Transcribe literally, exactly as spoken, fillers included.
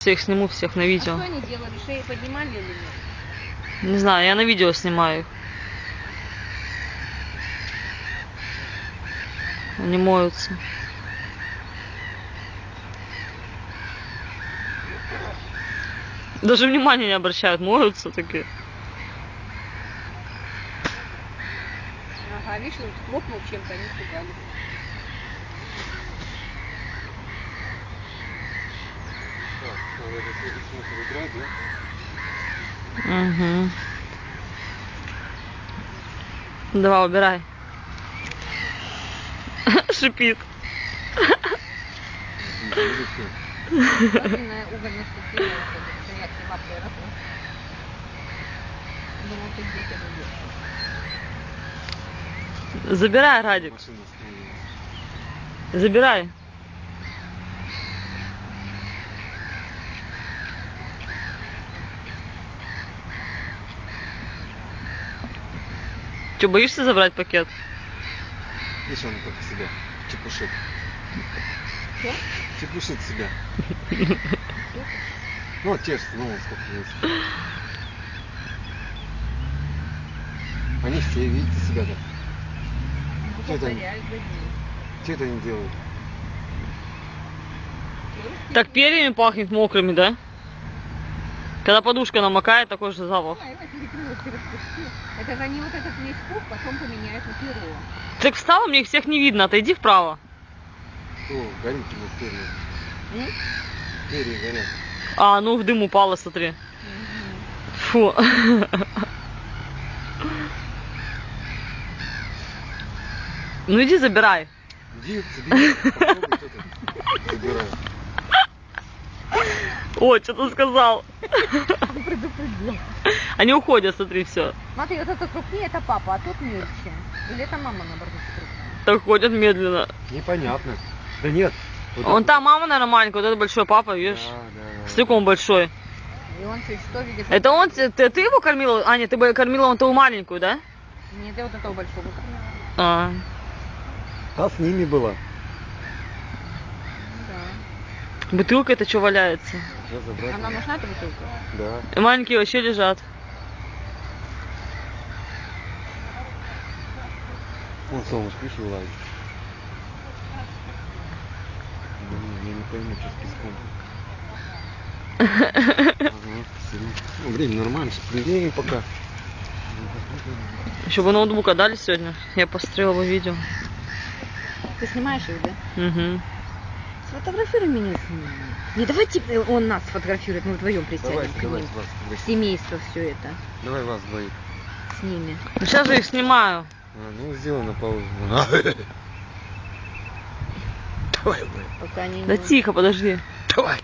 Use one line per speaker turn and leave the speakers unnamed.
Я их сниму всех на видео.
А что они делали? Шеи поднимали или нет?
Не знаю, я на видео снимаю их. Они моются. Даже внимания не обращают, моются такие.
Ага, видишь, вот хлопнул чем-то, они испугались.
Угу. Давай, убирай. Шипит.
Угольная стихия.
Забирай, Радик. Забирай. Че, боишься забрать пакет?
Видишь, он как себя чепушит.
Что?
Чепушит себя. Ну, вот чешется, ну, сколько есть. Они все, видите, себя так. Что это они? Что это они делают?
Так перьями пахнет мокрыми, да? Когда подушка намокает, такой же запах.
Это же они вот этот весь пух потом поменяют на перо.
Так встала, мне их всех не видно, отойди вправо.
О, горит у нас перья. Перья горят.
А, ну в дым упало, смотри. Угу. Фу. Ну иди забирай.
Иди, забирай. Попробуй что-то. Забирай.
О, что ты сказал?
Он предупредил.
Они уходят, смотри, все.
Смотри, вот это крупнее, это папа, а тут мельче. Или это мама, наоборот, крупнее?
Так ходят медленно.
Непонятно. Да нет. Вот
Вон
это...
там мама, наверное, маленькая, вот это большой папа, видишь?
Да, да, да.
Стыком большой.
И он чуть что видит?
Это он, ты, ты его кормила? Аня, ты бы кормила вон ту маленькую, да?
Нет, я вот этого большого кормила.
А.
А с ними было.
Да.
Бутылка это что валяется?
Она нужна, эта бутылка?
Да.
И маленькие вообще лежат.
Вон солнышко, видишь, вылазит. Блин, я не пойму, что с песком. Ага, ну, время нормально, время пока.
Еще бы ноутбук отдали сегодня. Я посмотрела бы видео.
Ты снимаешь их, да?
Угу.
Сфотографируй меня с ними. Не, давайте он нас сфотографирует, мы вдвоем присядем
Давайте,
к ним.
давайте вас сфотографируем.
Семейство все это.
Давай вас двоих.
С ними.
Ну, сейчас же их снимаю.
А, ну сделай на паузу. Давай, давай.
Пока они
Да
не...
тихо, подожди.
Давай.